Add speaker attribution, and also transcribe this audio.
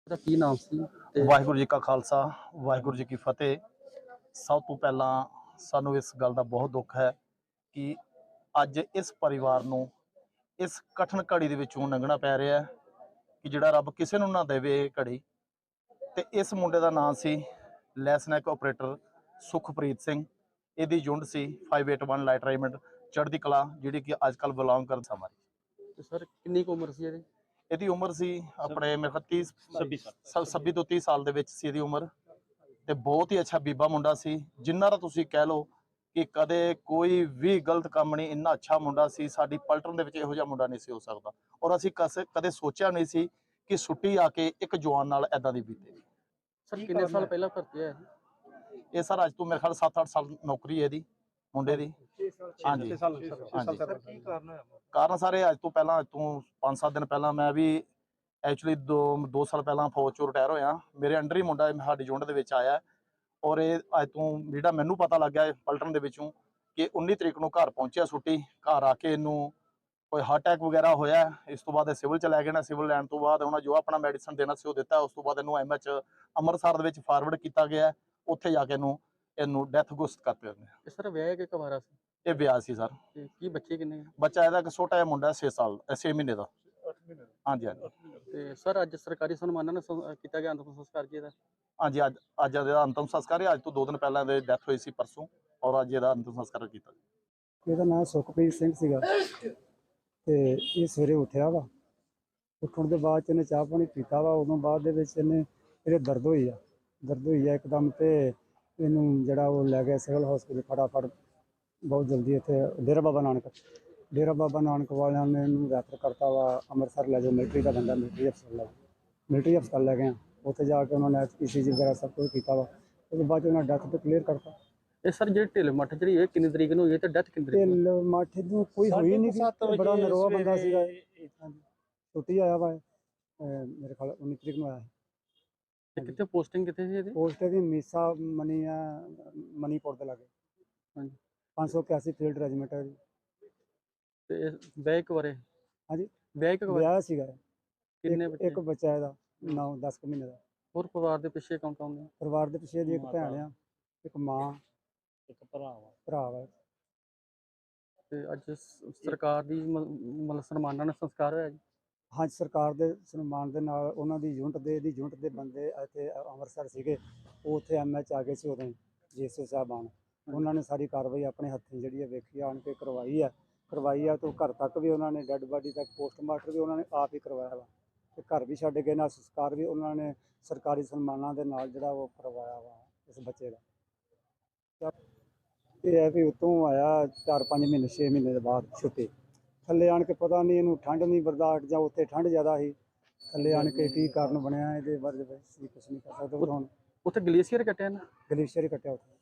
Speaker 1: ਦਾ ਕੀ ਨਾਮ ਸੀ ਤੇ
Speaker 2: ਵਾਹਿਗੁਰੂ जी का खालसा वाहिगुरू जी की फतेह। सब तो पहला सानू इस गल का बहुत दुख है कि अज इस परिवार नू इस कठिन घड़ी दे विचों लंघना पै रहा है कि जिहड़ा रब किसी नू ना देवे घड़ी। ते इस मुंडे का नाम सी लैसनैक ऑपरेटर सुखप्रीत सिंह। इहदी यूनिट सी 581 लाइट रेजिमेंट चढ़दी कला, जिहड़ी कि अजकल बिलोंग कर हमारी।
Speaker 1: ਤੇ ਸਰ ਕਿੰਨੀ ਕੁ ਉਮਰ ਸੀ ਇਹਦੀ?
Speaker 2: ਇਹਦੀ ਉਮਰ ਸੀ ਆਪਣੇ ਮੇਰੇ ਖਿਆਲ 30 26 ਤੋਂ 30 ਸਾਲ ਦੇ ਵਿੱਚ ਸੀ ਇਹਦੀ ਉਮਰ। ਤੇ ਬਹੁਤ ਹੀ ਅੱਛਾ ਬੀਬਾ ਮੁੰਡਾ ਸੀ, ਜਿੰਨਾ ਦਾ ਤੁਸੀਂ ਕਹਿ ਲਓ ਕਿ ਕਦੇ ਕੋਈ ਵੀ ਗਲਤ ਕੰਮ ਨਹੀਂ। ਇੰਨਾ ਅੱਛਾ ਮੁੰਡਾ ਸੀ, ਸਾਡੀ ਪਲਟਨ ਦੇ ਵਿੱਚ ਇਹੋ ਜਿਹਾ ਮੁੰਡਾ ਨਹੀਂ ਸੀ ਹੋ ਸਕਦਾ। ਔਰ ਅਸੀਂ ਕਦੇ ਸੋਚਿਆ ਨਹੀਂ ਸੀ ਕਿ ਛੁੱਟੀ ਆ ਕੇ ਇੱਕ ਜਵਾਨ ਨਾਲ ਐਦਾਂ ਦੀ ਬੀਤੇਗੀ।
Speaker 1: ਸਰ ਕਿੰਨੇ ਸਾਲ ਪਹਿਲਾਂ ਭਰਤੀ ਹੋਇਆ ਸੀ?
Speaker 2: ਇਹ ਸਰ ਅੱਜ ਤੋਂ ਮੇਰੇ ਖਿਆਲ 7-8 ਸਾਲ ਨੌਕਰੀ ਹੈ ਇਹਦੀ ਮੁੰਡੇ ਦੀ। ਹਾਂਜੀ ਕਾਰਨ ਸਾਰੇ ਅੱਜ ਤੋਂ ਪਹਿਲਾਂ, ਅੱਜ ਤੋਂ 5-7 ਦਿਨ ਪਹਿਲਾਂ ਮੈਂ ਵੀ ਐਕਚੁਅਲੀ 2 ਸਾਲ ਪਹਿਲਾਂ ਫੌਜ ਚੋਂ ਰਿਟਾਇਰ ਹੋਇਆ। ਮੇਰੇ ਅੰਡਰ ਹੀ ਮੁੰਡਾ ਸਾਡੀ ਯੂਨਿਟ ਦੇ ਵਿੱਚ ਆਇਆ। ਔਰ ਇਹ ਅੱਜ ਤੋਂ ਜਿਹੜਾ ਮੈਨੂੰ ਪਤਾ ਲੱਗਿਆ ਪਲਟਨ ਦੇ ਵਿੱਚੋਂ ਕਿ 19 ਤਰੀਕ ਨੂੰ ਘਰ ਪਹੁੰਚਿਆ ਛੁੱਟੀ। ਘਰ ਆ ਕੇ ਇਹਨੂੰ ਕੋਈ ਹਾਰਟ ਅਟੈਕ ਵਗੈਰਾ ਹੋਇਆ। ਇਸ ਤੋਂ ਬਾਅਦ ਇਹ ਸਿਵਲ ਚ ਲੈ ਗਏ ਨਾ, ਸਿਵਲ ਲੈਣ ਤੋਂ ਬਾਅਦ ਉਹਨਾਂ ਜੋ ਆਪਣਾ ਮੈਡੀਸਨ ਦੇਣਾ ਸੀ ਉਹ ਦਿੱਤਾ। ਉਸ ਤੋਂ ਬਾਅਦ ਇਹਨੂੰ ਐਮਐਚ ਅੰਮ੍ਰਿਤਸਰ ਦੇ ਵਿੱਚ ਫਾਰਵਰਡ ਕੀਤਾ ਗਿਆ। ਉੱਥੇ ਜਾ ਕੇ ਇਹਨੂੰ ਡੈਥ ਘੋਸ਼ਿਤ ਕਰ ਦਿੱਤਾ।
Speaker 1: ਤੇ ਸਰ ਵਿਆਹ ਕਿ ਕੁਆਰਾ ਸੀ?
Speaker 2: ਇਹ ਵਿਆਹ ਸੀ ਸਰ।
Speaker 1: ਤੇ ਕੀ ਬੱਚੇ ਕਿੰਨੇ?
Speaker 2: ਬੱਚਾ ਇਹਦਾ ਇੱਕ ਛੋਟਾ ਜਿਹਾ ਮੁੰਡਾ 6 ਮਹੀਨੇ ਦਾ।
Speaker 1: 8 ਮਹੀਨੇ ਦਾ।
Speaker 2: ਹਾਂਜੀ ਹਾਂਜੀ।
Speaker 1: ਤੇ ਸਰ ਅੱਜ ਸਰਕਾਰੀ ਸਨਮਾਨਾਂ ਨਾਲ ਕੀਤਾ ਗਿਆ ਅੰਤਿਮ ਸੰਸਕਾਰ ਜੀ ਇਹਦਾ?
Speaker 2: ਹਾਂਜੀ ਅੱਜ ਇਹਦਾ ਅੰਤਿਮ ਸੰਸਕਾਰ ਹੈ। ਅੱਜ ਤੋਂ 2 ਦਿਨ ਪਹਿਲਾਂ ਇਹਦੀ ਡੈਥ ਹੋਈ ਸੀ ਪਰਸੋਂ, ਔਰ ਅੱਜ ਇਹਦਾ ਅੰਤਿਮ ਸੰਸਕਾਰ ਕੀਤਾ।
Speaker 3: ਇਹਦਾ ਨਾਮ ਸੁਖਪ੍ਰੀਤ ਸਿੰਘ ਸੀਗਾ ਤੇ ਇਹ ਸਵੇਰੇ ਉੱਠਿਆ ਵਾ। ਉੱਠਣ ਦੇ ਬਾਅਦ 'ਚ ਇਹਨੇ ਚਾਹ ਪਾਣੀ ਪੀਤਾ ਵਾ। ਉਦੋਂ ਬਾਅਦ ਦੇ ਵਿੱਚ ਇਹਦੇ ਦਰਦ ਹੋਈ ਆ ਇੱਕਦਮ। ਤੇ ਇਹਨੂੰ ਜਿਹੜਾ ਉਹ ਲੈ ਗਿਆ ਸਿਵਲ ਹਸਪੀਟਲ ਫਟਾਫਟ, ਬਹੁਤ ਜਲਦੀ। ਇੱਥੇ ਡੇਰਾ ਬਾਬਾ ਨਾਨਕ ਵਾਲਿਆਂ ਨੇ ਇਹਨੂੰ ਰੈਫਰ ਕਰਤਾ ਵਾ ਅੰਮ੍ਰਿਤਸਰ ਲੈ ਜਾਓ, ਮਿਲਟਰੀ ਦਾ ਬੰਦਾ, ਮਿਲਟਰੀ ਹਸਪਤਾਲ ਲੈ ਗਏ। ਉੱਥੇ ਜਾ ਕੇ ਉਹਨਾਂ ਨੇ ECG ਵਗੈਰਾ ਸਭ ਕੁਝ ਕੀਤਾ ਵਾ। ਉਹਦੇ ਬਾਅਦ 'ਚ ਉਹਨਾਂ ਡੈਥ ਤੇ ਕਲੀਅਰ ਕਰਤਾ।
Speaker 1: ਇਹ ਸਰ ਜਿਹੜੀ ਢਿੱਲ ਮੱਠ ਜਿਹੜੀ ਇਹ ਕਿੰਨੀ ਤਰੀਕ ਨੂੰ ਹੋਈ ਤੇ ਡੈਥ ਕਿੰਨੀ ਤਰੀਕ ਨੂੰ?
Speaker 3: ਢਿੱਲ ਮੱਠ ਨੂੰ ਕੋਈ ਹੋਈ ਨਹੀਂ ਸੀ, ਬੜਾ ਨਰੋਆ ਬੰਦਾ ਸੀਗਾ। ਛੁੱਟੀ ਆਇਆ ਵਾ ਮੇਰੇ ਖਿਆਲ 19 ਤਰੀਕ ਨੂੰ ਆਇਆ।
Speaker 1: ਤੇ ਕਿੱਥੇ ਪੋਸਟਿੰਗ ਕਿੱਥੇ ਸੀ ਇਹਦੀ?
Speaker 3: ਪੋਸਟ ਦੀ ਮੀਸਾ ਮਨੀਪੁਰ ਦੇ ਲਾਗੇ।
Speaker 1: ਹਾਂਜੀ।
Speaker 3: 581 ਫੀਲਡ ਰੈਜੀਮੈਂਟ ਹੈ ਜੀ।
Speaker 1: ਤੇ ਵਿਆਹ ਕੁਆਰੇ?
Speaker 3: ਹਾਂਜੀ
Speaker 1: ਵਿਆਹ ਕੁਆਰੇ
Speaker 3: ਵਿਆਹ ਸੀਗਾ।
Speaker 1: ਕਿੰਨੇ ਬੱਚੇ?
Speaker 3: ਇੱਕ ਬੱਚਾ ਇਹਦਾ 9-10 ਮਹੀਨੇ ਦਾ।
Speaker 1: ਹੋਰ ਪਰਿਵਾਰ ਦੇ ਪਿੱਛੇ ਕੌਣ ਕੌਣ ਨੇ?
Speaker 3: ਪਰਿਵਾਰ ਦੇ ਪਿੱਛੇ ਦੀ ਇੱਕ ਭੈਣ ਆ, ਇੱਕ ਮਾਂ,
Speaker 1: ਇੱਕ ਭਰਾ
Speaker 3: ਵਾ।
Speaker 1: ਤੇ ਅੱਜ ਸਰਕਾਰ ਦੀ ਮਤਲਬ ਸਨਮਾਨਾਂ ਨਾਲ ਸੰਸਕਾਰ ਹੋਇਆ ਜੀ?
Speaker 3: ਹਾਂਜੀ, ਸਰਕਾਰ ਦੇ ਸਨਮਾਨ ਦੇ ਨਾਲ ਉਹਨਾਂ ਦੀ ਯੂਨਿਟ ਦੇ ਬੰਦੇ ਇੱਥੇ ਅੰਮ੍ਰਿਤਸਰ ਸੀਗੇ। ਉਹ ਉੱਥੇ MH ਆ ਗਏ ਸੀ ਉਦੋਂ JSO ਸਾਹਿਬਾਨ। ਉਹਨਾਂ ਨੇ ਸਾਰੀ ਕਾਰਵਾਈ ਆਪਣੇ ਹੱਥੀਂ ਜਿਹੜੀ ਵੇਖੀ ਆਣ ਕੇ ਕਰਵਾਈ ਆ। ਤੋਂ ਘਰ ਤੱਕ ਵੀ ਉਹਨਾਂ ਨੇ ਡੈੱਡ ਬਾਡੀ ਤੱਕ ਪੋਸਟਮਾਰਟਮ ਵੀ ਉਹਨਾਂ ਨੇ ਆਪ ਹੀ ਕਰਵਾਇਆ ਵਾ। ਤੇ ਘਰ ਵੀ ਛੱਡ ਗਏ ਨਾਲ ਸੰਸਕਾਰ ਵੀ ਉਹਨਾਂ ਨੇ ਸਰਕਾਰੀ ਸਨਮਾਨਾਂ ਦੇ ਨਾਲ ਜਿਹੜਾ ਉਹ ਕਰਵਾਇਆ ਵਾ ਇਸ ਬੱਚੇ ਦਾ। ਇਹ ਹੈ ਵੀ ਉਤੋਂ ਆਇਆ 4-5 ਮਹੀਨੇ 6 ਮਹੀਨੇ ਦੇ ਬਾਅਦ ਛੁੱਟੀ। ਥੱਲੇ ਆਣ ਕੇ ਪਤਾ ਨਹੀਂ ਇਹਨੂੰ ਠੰਡ ਨਹੀਂ ਬਰਦਾਸ਼ਤ, ਜਾਂ ਉੱਥੇ ਠੰਡ ਜ਼ਿਆਦਾ ਸੀ। ਥੱਲੇ ਆਣ ਕੇ ਕੀ ਕਾਰਨ ਬਣਿਆ ਇਹਦੇ ਬਾਰੇ ਕੁਛ ਨਹੀਂ ਕਰ ਸਕਦੇ। ਹੁਣ
Speaker 1: ਉੱਥੇ ਗਲੇਸ਼ੀਅਰ ਕੱਟਿਆ ਨਾ?
Speaker 3: ਗਲੇਸ਼ੀਅਰ ਹੀ ਕੱਟਿਆ ਉੱਥੇ।